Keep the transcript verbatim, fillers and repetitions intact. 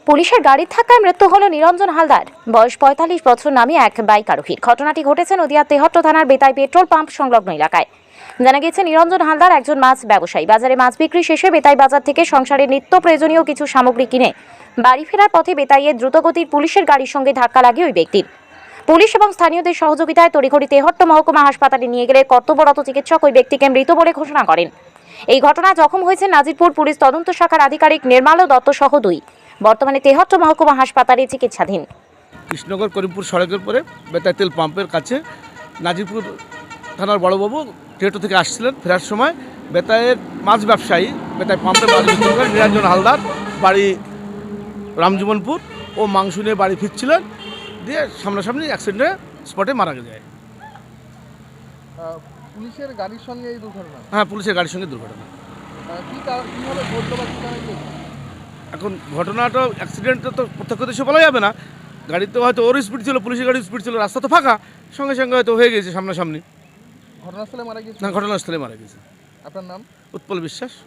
পুলিশের গাড়ির ধাক্কায় মৃত্যু হল নিরঞ্জন হালদার, বয়স পঁয়তাল্লিশ বছর, নামে এক বাইক আরোহীর। ঘটনাটি ঘটেছে নদিয়া তেহট্ট থানার বেতাই পেট্রোল পাম্প সংলগ্ন এলাকায়। জানা গেছে, নিরঞ্জন হালদার একজন মাছ ব্যবসায়ী। বাজারে মাছ বিক্রি শেষে বেতাই বাজার থেকে সংসারের নিত্য প্রয়োজনীয় কিছু সামগ্রী কিনে বাড়ি ফেরার পথে বেতাইয়ের দ্রুতগতির পুলিশের গাড়ির সঙ্গে ধাক্কা লাগে ওই ব্যক্তির। পুলিশ এবং স্থানীয়দের সহযোগিতায় তড়িঘড়ি তেহট্ট মহকুমা হাসপাতালে নিয়ে গেলে কর্তব্যরত চিকিৎসক ওই ব্যক্তিকে মৃত বলে ঘোষণা করেন। এই ঘটনায় জখম হয়েছে নাজিরপুর পুলিশ তদন্ত শাখার আধিকারিক নির্মাল দত্ত সহ দুই। বর্তমানে তেহট্ট মহকুমা হাসপাতালে চিকিৎসাধীন। কৃষ্ণনগর করিমপুর সড়কের পরে বেতাই তেল পাম্পের কাছে নাজিরপুর থানার বড়বাবু তেহট্ট থেকে আসছিলেন। ফেরার সময় বেতাইয়ের মাছ ব্যবসায়ী বেতাই পাম্পের মাছ বিক্রি করেন নিরঞ্জন হালদার, বাড়ি রামজীবনপুর, ও মাংস নিয়ে বাড়ি ফিরছিলেন, দিয়ে সামনাসামনি অ্যাক্সিডেন্টে স্পটে মারা যায়। পুলিশের গাড়ির সঙ্গে এই দুর্ঘটনা? হ্যাঁ, পুলিশের গাড়ির সঙ্গে দুর্ঘটনা। কি কীভাবে ঘটলো বা কী কারণে? এখন ঘটনাটা অ্যাক্সিডেন্টটা তো প্রত্যক্ষদর্শী বলা যাবে না। গাড়িতে হয়তো ওর স্পিড ছিল, পুলিশের গাড়ির স্পিড ছিল, রাস্তা তো ফাঁকা, সঙ্গে সঙ্গে হয়তো হয়ে গেছে সামনাসামনি। ঘটনাস্থলে মারা গেছে? না, ঘটনাস্থলে মারা গেছে। আপনার নাম? উৎপল বিশ্বাস।